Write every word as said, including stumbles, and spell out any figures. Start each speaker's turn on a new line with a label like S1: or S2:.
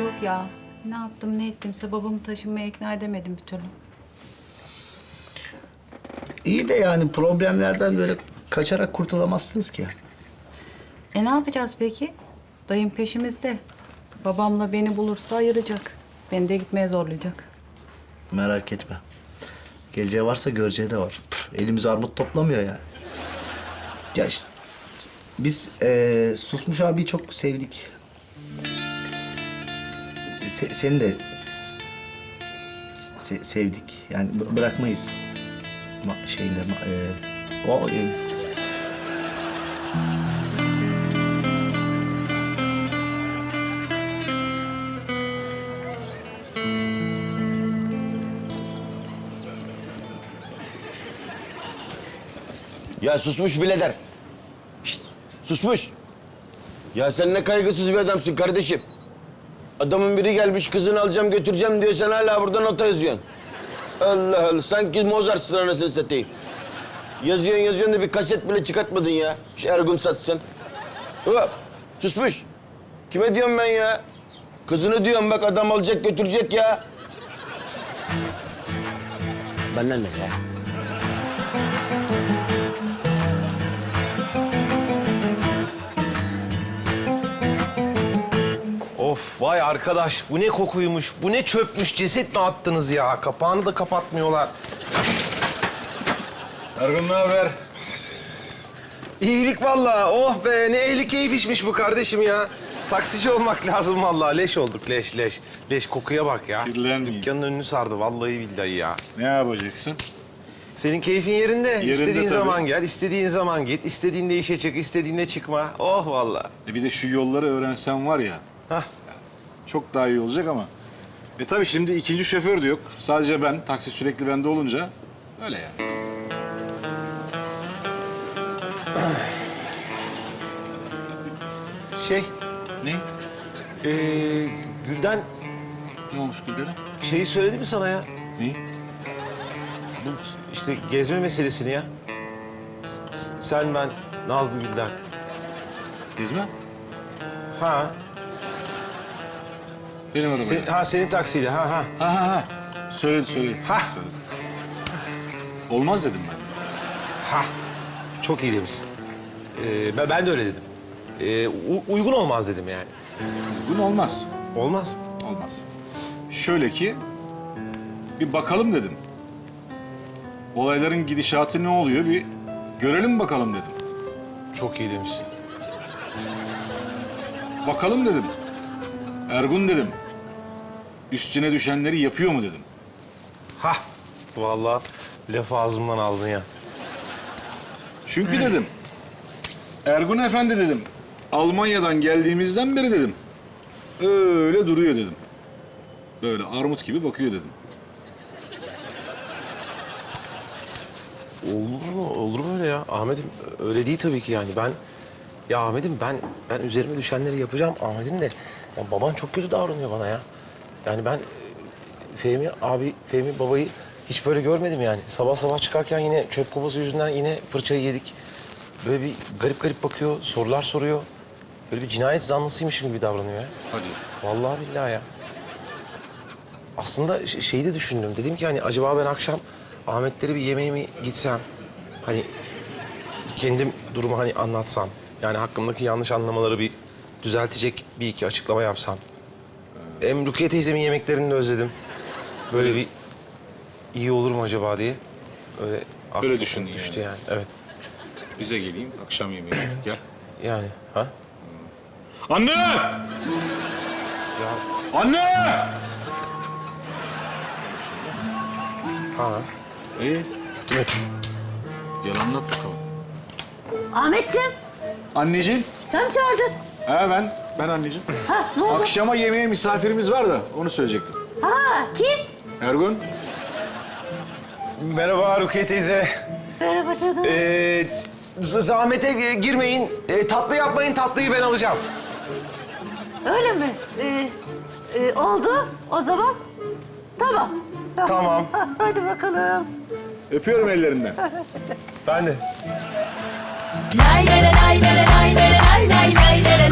S1: Yok ya. Ne yaptım ne ettimse babamı taşınmaya ikna edemedim bir türlü.
S2: İyi de yani problemlerden böyle kaçarak kurtulamazsınız ki.
S1: E ne yapacağız peki? Dayım peşimizde. Babamla beni bulursa ayıracak. Beni de gitmeye zorlayacak.
S2: Merak etme. Geleceği varsa göreceği de var. Püf, elimiz armut toplamıyor yani. Ya ş- biz eee, Susmuş abiyi çok sevdik. Se- seni de se- sevdik. Yani b- bırakmayız. Ma- şeyinde ma- eee, o eee,
S3: Ya susmuş birader. Şşt, susmuş. Ya sen ne kaygısız bir adamsın kardeşim. Adamın biri gelmiş kızını alacağım götüreceğim diyor, sen hala burada nota yazıyorsun. Allah Allah, sanki Mozart'sın anasını satayım. Yazıyorsun yazıyorsun da bir kaset bile çıkartmadın ya. Şu Ergun satsın. Hop, susmuş. Kime diyorum ben ya? Kızını diyorum bak, adam alacak götürecek ya. Bana ne ya?
S4: Of vay arkadaş, bu ne kokuymuş, bu ne çöpmüş, ceset mi attınız ya? Kapağını da kapatmıyorlar.
S5: Ergun ne haber?
S4: İyilik vallahi, oh be ne ehli keyif işmiş bu kardeşim ya. Taksici olmak lazım vallahi, leş olduk leş leş. Leş kokuya bak ya.
S5: Kirlenmeyin.
S4: Dükkanın önünü sardı vallahi billahi ya.
S5: Ne yapacaksın?
S4: Senin keyfin yerinde.
S5: Yerinde
S4: İstediğin
S5: tabii.
S4: zaman gel, istediğin zaman git, istediğinde işe çık, istediğinde çıkma. Oh vallahi.
S5: E bir de şu yolları öğrensen var ya,
S4: Hah.
S5: çok daha iyi olacak ama... E tabii şimdi ikinci şoför de yok. Sadece ben, taksi sürekli bende olunca öyle yani.
S4: Şey,
S5: Ne?
S4: ee, Gülden
S5: Ne olmuş Gülden'e?
S4: şeyi söyledi mi sana ya?
S5: Ne?
S4: Bu işte gezme meselesini ya. S- s- Sen, ben, Nazlı, Gülden.
S5: Gezme?
S4: Ha,
S5: Benim arabayla.
S4: sen, ha senin taksiyle, ha ha.
S5: Ha ha ha. Söyledi söyledi.
S4: Ha.
S5: Söyledi. Olmaz dedim ben.
S4: Ha, çok iyi demişsin. Ee, ben, ben de öyle dedim. Ee, u- uygun olmaz dedim yani.
S5: Bunu olmaz.
S4: Olmaz.
S5: Olmaz. Şöyle ki, bir bakalım dedim. Olayların gidişatı ne oluyor bir görelim bakalım dedim.
S4: Çok iyi demişsin.
S5: Bakalım dedim. Ergun dedim. Üstüne düşenleri yapıyor mu dedim.
S4: Ha, vallahi lafı ağzımdan aldın ya.
S5: Çünkü dedim. Ergun Efendi dedim. Almanya'dan geldiğimizden beri dedim. Öyle duruyor dedim. Böyle armut gibi bakıyor dedim.
S4: Olur mu? Olur mu öyle ya? Ahmet'im öyle değil tabii ki yani. Ben, ya Ahmet'im ben ben üzerime düşenleri yapacağım. Ahmet'im de ya baban çok kötü davranıyor bana ya. Yani ben e, Fehmi abi, Fehmi babayı hiç böyle görmedim yani. Sabah sabah çıkarken yine çöp kovası yüzünden yine fırçayı yedik. Böyle bir garip garip bakıyor, sorular soruyor. Böyle bir cinayet zanlısıymışım gibi davranıyor ya.
S5: Hadi.
S4: Vallahi billahi ya. Aslında ş- şeyi de düşündüm. Dedim ki hani acaba ben akşam Ahmetleri bir yemeğe mi gitsem? Hani kendim durumu hani anlatsam. Yani hakkımdaki yanlış anlamaları bir düzeltecek bir iki açıklama yapsam. Hem Rukiye teyzemin yemeklerini de özledim. Böyle bir iyi olur mu acaba diye. Öyle aklıma
S5: Öyle düşündün
S4: düştü
S5: yani.
S4: yani. Evet.
S5: Bize geleyim akşam yemeğine. Gel.
S4: Yani ha?
S5: Anne!
S4: Ya
S5: Anne!
S4: ha.
S5: İyi.
S4: Evet.
S5: Gel anlat bakalım.
S6: Ahmetciğim,
S5: Anneciğim.
S6: sen mi çağırdın?
S5: Ha ben. Ben anneciğim.
S6: Ha, ne oldu?
S5: Akşama yemeğe misafirimiz var da onu söyleyecektim.
S6: Ha, kim?
S5: Ergun.
S4: Merhaba Rukiye teyze.
S6: Merhaba canım.
S4: Ee, z- zahmete e, girmeyin. Ee, tatlı yapmayın, tatlıyı ben alacağım.
S6: Öyle mi? Ee, e, oldu o zaman. Tamam.
S4: Tamam.
S6: Ha, hadi bakalım.
S5: Öpüyorum ellerinden.
S4: Ben de.
S7: Lay lay lay lay lay lay lay lay lay lay